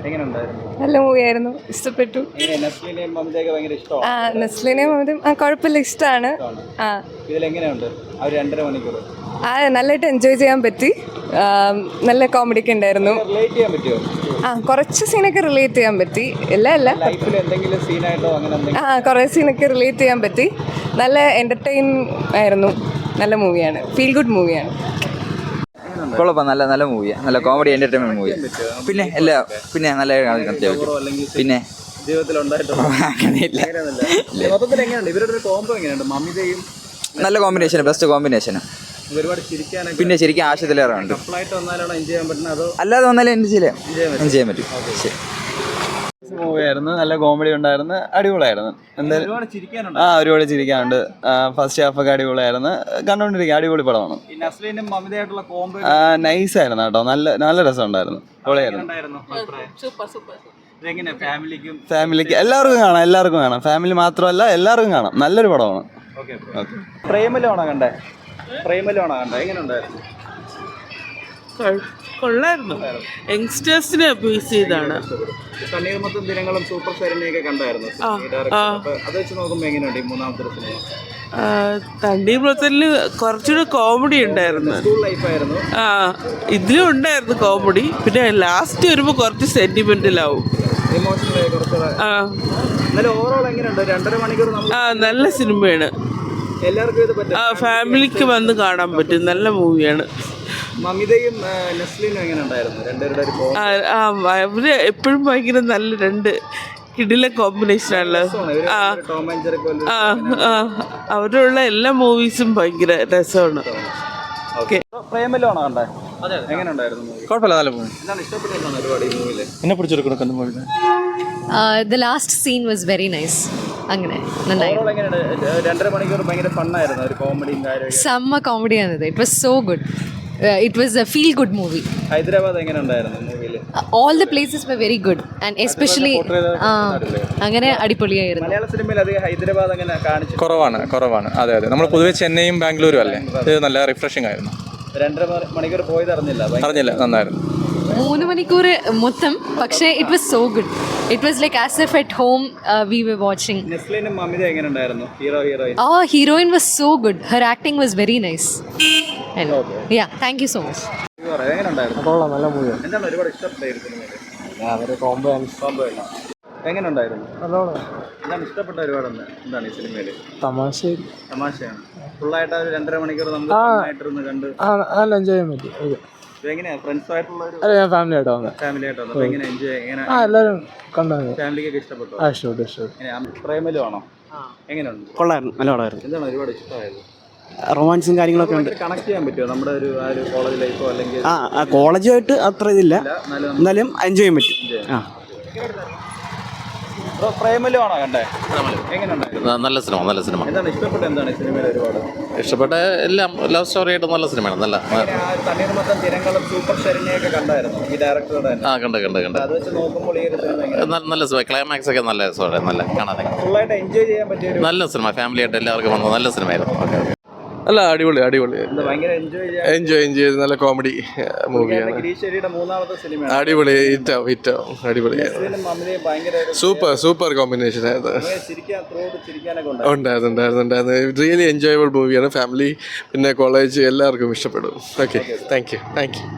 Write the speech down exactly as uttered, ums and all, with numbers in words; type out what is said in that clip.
നല്ല മൂവിയായിരുന്നു, ഇഷ്ടപ്പെട്ടു. ആ നസ്ലിനെയും മമതയും ആ കുഴപ്പമില്ല, ഇഷ്ടമാണ്. ആ ആ നല്ലതായിട്ട് എൻജോയ് ചെയ്യാൻ പറ്റി. നല്ല കോമഡിയൊക്കെ ഉണ്ടായിരുന്നു. ആ കുറച്ച് സീനൊക്കെ റിലേറ്റ് ചെയ്യാൻ പറ്റി, ഇല്ല അല്ല ആ കുറേ സീനൊക്കെ റിലേറ്റ് ചെയ്യാൻ പറ്റി. നല്ല എൻ്റർടൈൻ ആയിരുന്നു. നല്ല മൂവിയാണ്, ഫീൽ ഗുഡ് മൂവിയാണ്. കുഴപ്പം, നല്ല നല്ല മൂവിയാണ്, നല്ല കോമഡി എൻ്റർടൈൻമെൻറ്റ് മൂവി. പിന്നെ എല്ലാ പിന്നെ നല്ല പിന്നെ നല്ല കോമ്പിനേഷൻ, ബെസ്റ്റ് കോമ്പിനേഷന്. പിന്നെ ശരിക്കും ആശയത്തിലേറെ ഉണ്ട്. അല്ലാതെ വന്നാലും എൻജോയ് ചെയ്യാം എൻജോയ് ചെയ്യാൻ പറ്റും. ശരി, മൂവിയായിരുന്നു, നല്ല കോമഡി ഉണ്ടായിരുന്നു, അടിപൊളിയായിരുന്നു. എന്തായാലും ആ ഒരുപാട് ചിരിക്കാനുണ്ട്. ഫസ്റ്റ് ഹാഫ് ഒക്കെ അടിപൊളിയായിരുന്നു, കണ്ടോണ്ടിരിക്കുക, അടിപൊളി പടമാണ്. നൈസായിരുന്നു കേട്ടോ, നല്ല നല്ല രസമുണ്ടായിരുന്നു, പൊളിയായിരുന്നു. ഫാമിലിക്ക് എല്ലാവർക്കും കാണാം, എല്ലാവർക്കും കാണാം. ഫാമിലി മാത്രമല്ല, എല്ലാവർക്കും കാണാം, നല്ലൊരു പടമാണ്. പ്രേമലാണോ കണ്ടേ? പ്രേമലാണോ കണ്ടേ? എങ്ങനെ ഉണ്ടായിരുന്നു? കൊള്ളായിരുന്നു, യങ്സ്റ്റേഴ്സിനെ അബ്യൂസ് ചെയ്താണ്. തണ്ണീർമത്തൻ ദിനങ്ങളും സൂപ്പർ ശരണ്യൊക്കെ കണ്ടായിരുന്നു. അത് വെച്ച് നോക്കുമ്പോൾ എങ്ങനെയുണ്ട് ഈ മൂന്നാമത്തെ സിനിമ? തണ്ണീർമത്തനിൽ കുറച്ചുകൂടെ കോമഡി ഉണ്ടായിരുന്നു. സ്കൂൾ ലൈഫായിരുന്നു. ആ ഇതിലും ഉണ്ടായിരുന്നു കോമഡി. പിന്നെ ലാസ്റ്റ് വരുമ്പോൾ കുറച്ച് സെന്റിമെന്റലാവും. ഇമോഷണലായി കുറച്ചുകൂടെ. ആ എന്നാലും ഓവറോൾ എങ്ങനെയുണ്ട്? രണ്ടര മണിക്കൂർ ആ നല്ല സിനിമയാണ്, എല്ലാവർക്കും ഇത് പറ്റും. ആ ഫാമിലിക്ക് വന്ന് കാണാൻ പറ്റും, നല്ല മൂവിയാണ്. മമിതയും നസ്ലിനും എങ്ങനെ ഉണ്ടായിരുന്നു? രണ്ടുപേരുടെ അവര് എപ്പോഴും ഭയങ്കര നല്ല രണ്ട് കിടില കോമ്പിനേഷനാണല്ലോ. ആ ആ ആ അവരുള്ള എല്ലാ മൂവീസും ഭയങ്കര രസമാണ്. പ്രേമലാണോ കണ്ടേ? എങ്ങനെ ഉണ്ടായിരുന്നു? കുഴപ്പമില്ല, നല്ല മൂവി. എന്താണ് ഇഷ്ടപ്പെട്ടതാണ് ഒരുപാട് ഈ മൂവിയിൽ? എന്നെ പിടിച്ചെടുക്കണം movie. The last scene was very nice. അങ്ങനെ നന്നായിരുന്നു. രണ്ടര മണിക്കൂർ ഭയങ്കര ഫണ്ണായിരുന്നു, ഒരു കോമഡിയും കാര്യവും. സെമ്മ കോമഡിയാണിത്. It was so good. It was a feel good movie. Hyderabad എങ്ങനെ ഉണ്ടായിരുന്നു മൂവിയിൽ? All the places were very good and especially അങ്ങനെ അടിപൊളിയായിരുന്നു. മലയാള സിനിമയിൽ അധികം ഹൈദരാബാദ് അങ്ങനെ കാണിച്ചു കുറവാണ് കുറവാണ് അതെ അതെ. നമ്മൾ പൊതുവെ ചെന്നൈയും ബാംഗ്ലൂരും അല്ലേ, ഇത് നല്ല റിഫ്രഷിംഗ് ആയിരുന്നു. രണ്ടര മണിക്കൂർ പോയത് അറിഞ്ഞില്ല അറിഞ്ഞില്ല നന്നായിരുന്നു. മൂന്ന് മണിക്കൂർ മൊത്തം, പക്ഷേ it was so good. It was like as if at home we were watching. നസ്ലിനും മമിത എങ്ങനെ ഉണ്ടായിരുന്നു? ഹീറോ ഹീറോയിൻ ആ heroine was so good. Her acting was very nice. Yeah thank you so much. എങ്ങനെ ഉണ്ടായിരുന്നു? കൊള്ളാം, നല്ല മൂവിയാണ്. എന്താണ് ഒരുപാട് ഇഷ്ടപ്പെട്ടായിരുന്നു? കോംബോ കോംബോ എങ്ങനെ ഉണ്ടായിരുന്നു? എന്താണ് ഇഷ്ടപ്പെട്ട ഒരുപാടെന്ന്? എന്താണ് ഈ സിനിമയിൽ? തമാശ തമാശയാണ്. ഫുള്ളായിട്ട് ഒരു രണ്ടര മണിക്കൂർ നമുക്ക് കണ്ട് നല്ല എൻജോയ് ചെയ്യാൻ പറ്റും. എങ്ങനെയാ ഫ്രണ്ട്സായിട്ടുള്ള ഫാമിലി ആയിട്ട് വന്നത്? ഫാമിലി ആയിട്ട് വന്നത്. എങ്ങനെ എൻജോയ് എങ്ങനെ എല്ലാവരും കണ്ടത്? ഫാമിലിക്കൊക്കെ ഇഷ്ടപ്പെട്ടു? ഇഷ്ടപ്പെട്ടു ഇഷ്ടപ്പെട്ടു. പ്രേമലു ആണോ? എങ്ങനെയുണ്ട്? കൊള്ളായിരുന്നു, നല്ല പടമായിരുന്നു. എന്താണ് ഒരുപാട് ഇഷ്ടമായത്? റൊമാൻസും കാര്യങ്ങളൊക്കെ ഉണ്ട്. കണക്ട് ചെയ്യാൻ പറ്റുമോ നമ്മുടെ ഒരു ആ ഒരു കോളേജ് ലൈഫോ അല്ലെങ്കിൽ? ആ കോളേജുമായിട്ട് അത്ര ഇതില്ല, എന്നാലും എൻജോയ് ചെയ്യാൻ പറ്റും. ആ പ്രേമലു ആണോ കണ്ടേ? എങ്ങനെയുണ്ടായിരുന്നു? നല്ല സിനിമ, നല്ല സിനിമ. എന്താണ് ഇഷ്ടപ്പെട്ട? എന്താണ് സിനിമയിൽ ഒരുപാട് ഇഷ്ടപ്പെട്ട? എല്ലാം ലവ് സ്റ്റോറി ആയിട്ട് നല്ല സിനിമയാണ്. നല്ല തണ്ണീർമത്തൻ ദിനങ്ങളും സൂപ്പർ ശരണ്യൊക്കെ കണ്ടായിരുന്നു ഈ ഡയറക്ടറുടെ? ആ കണ്ട് കണ്ട് കണ്ട് അത് വെച്ച് നോക്കുമ്പോൾ ഈ ഒരു സിനിമ നല്ല സിനിമ, ക്ലൈമാക്സ് ഒക്കെ നല്ല രസമാണ്, നല്ല കാണാൻ ഫുള്ളായിട്ട് എൻജോയ് ചെയ്യാൻ പറ്റിയ നല്ല സിനിമ. ഫാമിലി ആയിട്ട് എല്ലാവർക്കും വന്നത് നല്ല സിനിമയായിരുന്നു. Okay okay. അല്ല അടിപൊളി അടിപൊളി ഭയങ്കര എൻജോയ് എൻജോയ് എൻജോയ് ചെയ്ത് നല്ല കോമഡി മൂവിയാണ്. ഗിരീശ്വരിയുടെ മൂന്നാമത്തെ സിനിമ അടിപൊളി, ഹിറ്റാവും ഹിറ്റാവും, അടിപൊളിയായിരുന്നു. സൂപ്പർ സൂപ്പർ കോമ്പിനേഷൻ ആയിരുന്നു. ഉണ്ടായിരുന്നു ഉണ്ടായിരുന്നു ഉണ്ടായിരുന്നു റിയലി എൻജോയബിൾ മൂവിയാണ്. ഫാമിലി പിന്നെ കോളേജ് എല്ലാവർക്കും ഇഷ്ടപ്പെടും. Okay, thank you thank U.